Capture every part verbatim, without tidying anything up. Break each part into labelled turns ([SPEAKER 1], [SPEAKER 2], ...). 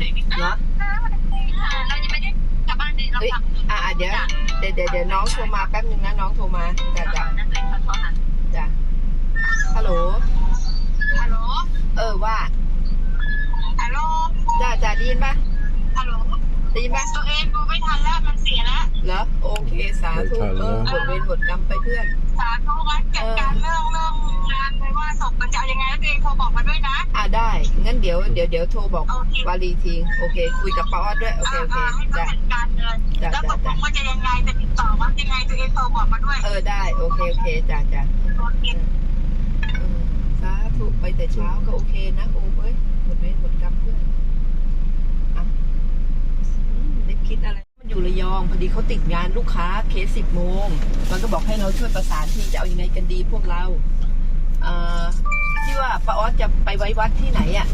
[SPEAKER 1] เนาะเรายังไม่ได้กลับบ้านเลยเราทำอ่าเดี๋ยวเดี๋ยวเดี๋ยวเดี๋ยวน้องโทรมาแป๊บนึงนะน้องโทรมาจ้ะจ้ะจ้ะฮัลโหลฮัลโหลเออว่าฮัลโหลจ้ะจ้ะได้ยินปะฮัลโหลได้ยินปะตัวเองดูไม่ทันแล้วมันเสียแล้วเหรอโอเคสาธุเออหมดเวรหมดกรรมไปเพื่อนสาธุงั้นจัดการเรื่องเรื่องงานไปว่าศพมันจะยังไงแล้วตัวเองโทรบอกมาด้วยนะอ่าได้งั้นเดี๋ยวเดี๋ยวเดี๋ยวโทรบอกวารีทีโอเคคุยกับป้าออดด้วยโอเคโอเคจ้ะจัดการเงินแล้วตกลงว่าจะยังไงจะติดต่อว่ายังไงตัวเองโทรบอกมาด้วยเออได้โอเคโอเคจ้ะจ้ะโอเคสาธุไปแต่เช้าก็โอเคนะโอ้เอ้ยหมดเวรหมดกรรมเพื่อนอ่ะได้คิดอะไรมันอยู่ระยองพอดีเขาติดงานลูกค้าเคสสิบโมงมันก็บอกให้เราช่วยประสานที่จะเอายังไงกันดีพวกเราเอ่อที่ว่าป้าออสจะไปไว้วัดที่ไหนอ่ะ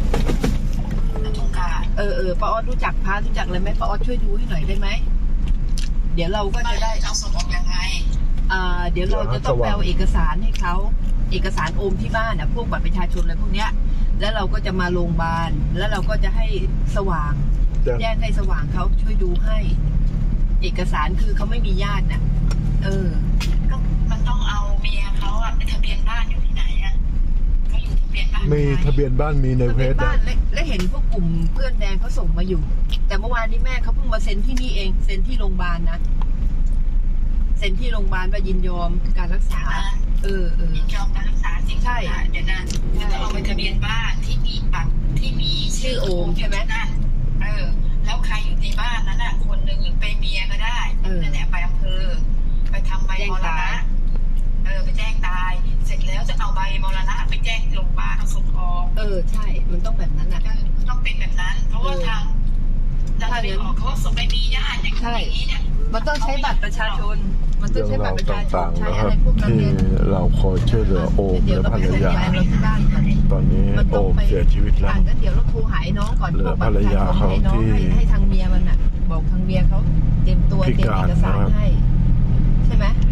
[SPEAKER 1] เออเออป้าออสรู้จักพระรู้จักอะไรไหมป้าออสช่วยดูให้หน่อยได้ไหมเดี๋ยวเราก็จะได้เอาศพออกยังไงอ่าเดี๋ยวเราจะต้องไปเอาเอกสารให้เขาเอกสารโอมที่บ้านอ่ะพวกบัตรประชาชนอะไรพวกเนี้ยแล้วเราก็จะมาโรงพยาบาลแล้วเราก็จะให้สว่างแจ้งให้สว่างเขาช่วยดูให้เอกสารคือเขาไม่มีญาติน่ะเออก็มันต้องเอาเมียเขาอ่ะทะเบียนบ้านอยู่ที่ไหนอ่ะเขาอยู่ทะเบียนบ้าน
[SPEAKER 2] มีทะเบียนบ้านมีในเพจอ่ะ
[SPEAKER 1] และเห็นพวกกลุ่มเพื่อนแดงเขาส่งมาอยู่แต่เมื่อวานนี้แม่เขาเพิ่งมาเซ็นที่นี่เองเซ็นที่โรงพยาบาลนะเซ็นที่โรงพยาบาลว่ายินยอมการรักษาเออเออยินยอมการรักษาจริงใช่เดี๋ยวนะต้องเอาไปทะเบียนบ้านที่มีบัตรที่มีชื่อโอมใช่ไหมนั่นเออแล้วใครอยู่ในบ้านนั้นอ่ะคนหนึ่งเป็นเมียก็ได้นั่นแหละไปอำเภอไปทำใบมรณะเออไปแจ้งตายเสร็จแล้วจะเอาใบมรณะไปแจ้งโรงพยาบาลเอาศพออกเออใช่มันต้องแบบนั้นอ่ะต้องเป็นแบบนั้นเพราะว่าทางเราจะไปออกเขาศพไม่มีญาติอย่างนี้เนี่ยมันต้องใช้บัตรประชาชนมันต้องใช้บัตรประชาชนใช้อะไรพวกนั้น
[SPEAKER 2] ที่เราคอยช่วยเหลือโอมและภรรยาตอนนี้โอมเสียชีวิตแล้ว
[SPEAKER 1] ก็เดี๋ยวเราโทรหาน้องก่อนเหลือภรรยาเขาที่ให้ทางเมียมันอ่ะบอกทางเมียเขาเตรียมตัวเตรียมเอกสารให้ใช่ไหม